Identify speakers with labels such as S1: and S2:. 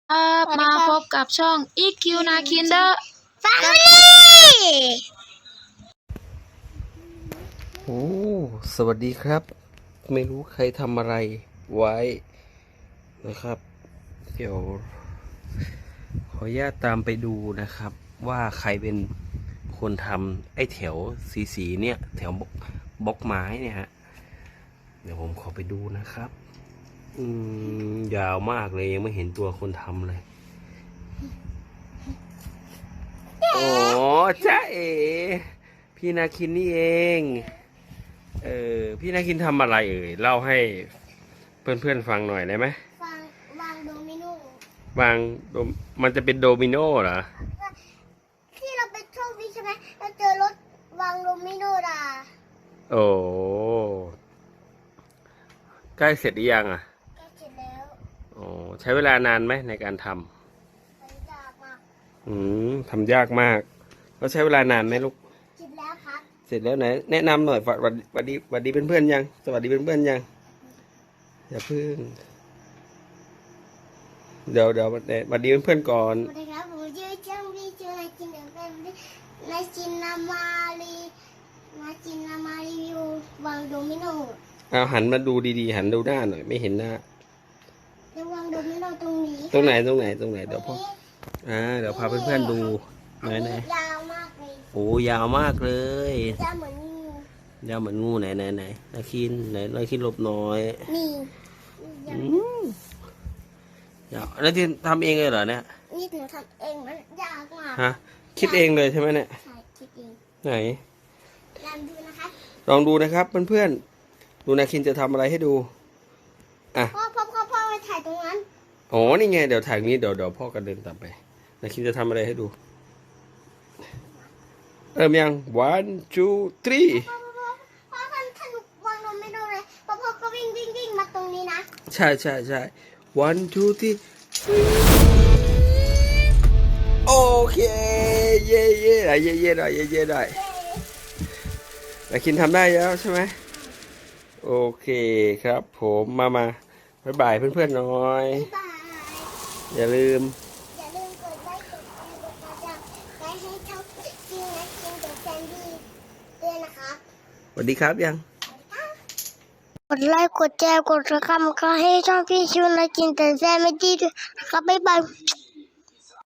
S1: ครับมาพบกับช่อง EQ นาคินเดอร์
S2: แฟมิลี่
S3: โอ้สวัสดีครับ ไม่รู้ใครทำอะไรไว้นะครับ เดี๋ยวขออนุญาตตามไปดูนะครับ ว่าใครเป็นคนทำไอ้แถวสีเนี่ยแถวบล็อกไม้เนี่ยฮะ เดี๋ยวผมขอไปดูนะครับ ยาวมากเลยยังไม่เห็นตัวคนทำเลย อ๋อจ้าเอ๋พี่นาคินนี่เอง พี่นาคินทำอะไรเล่าให้เพื่อนๆฟังหน่อยได้ไหม
S2: วางโดมิโน
S3: วางมันจะเป็นโดมิโนเหรอ
S2: ที่เราไปโชคดีใช่ไหมเราเจอรถวางโดมิโนดา
S3: โอ้ใกล้เสร็จหรือยังอ่ะ
S2: ใกล้เสร็จแล้ว
S3: โอ้ใช้เวลานานไหมในการทำ
S2: มันยากมาก
S3: ทำยากมากแล้วใช้เวลานานไหมลูก
S2: เสร็จแล้วครับ
S3: เสร็จแล้วไหนแนะนำหน่อยสวัสดีเพื่อนๆยังสวัสดีเพื่อนๆยังอย่าพึ่งเดี๋ยวสวัสดีเพื่อนๆก่อน
S2: สวัสดีครับผมชื่อเจ้าพี่ชื่อนายจินเดอร์แฟมิลี่นายจินนามารีวิววางโดมิโน
S3: เอาหันมาดูดีๆหันดูหน้าหน่อยไม่เห็นหน้า
S2: จะวางโดมิโนตรงนี้
S3: ตรงไหนเดี๋ยวพ่อเดี๋ยวพาเพื่อนๆดูไหน
S2: ยาวมากเลย
S3: โอ้ยาวมากเลย
S2: ยาวเหมือนงู
S3: ไหนนาคินหลบหน่อย
S2: นี่
S3: ยาวนาคินทำเองเลยเหรอเนี่ย
S2: นี่หนูทำเองมันยากมาก
S3: ฮะคิดเองเลยใช่ไหมเนี่ย
S2: ใช่คิดเอง
S3: ไหน
S2: ลองดูนะครับ
S3: ลองดูนะครับเพื่อนๆดูนาคินจะทำอะไรให้ดู
S2: พ่อไปถ่ายตรงนั้น
S3: อ๋อนี่ไงเดี๋ยวถ่ายนี้เดี๋ยวพ่อกันเดินตามไปนาคินจะทำอะไรให้ดูเริ่มยัง one two three
S2: พ่อท่านวางลงไม่ดูเลยพ่อก็วิ่งมาตรงนี้นะ
S3: ใช่ one two three โอเคเย่หน่อยเย่หน่อยนาคินทำได้แล้วใช่ไหมโอเคครับผมมาบ๊ายบายเพื่อนๆหน่อยอย่าลืม
S2: กดไลค์กดแชร์กดติดตามให้ช่องจริงนะจริงเด็กแซนดี้ด้วยนะครับ
S3: สวัสดีครับยัง
S2: กดไลค์กดแชร์กดติดตามให้ช่องพี่ชิวนะจริงเด็กแซนดี้ด้วยนะครับบ๊ายบาย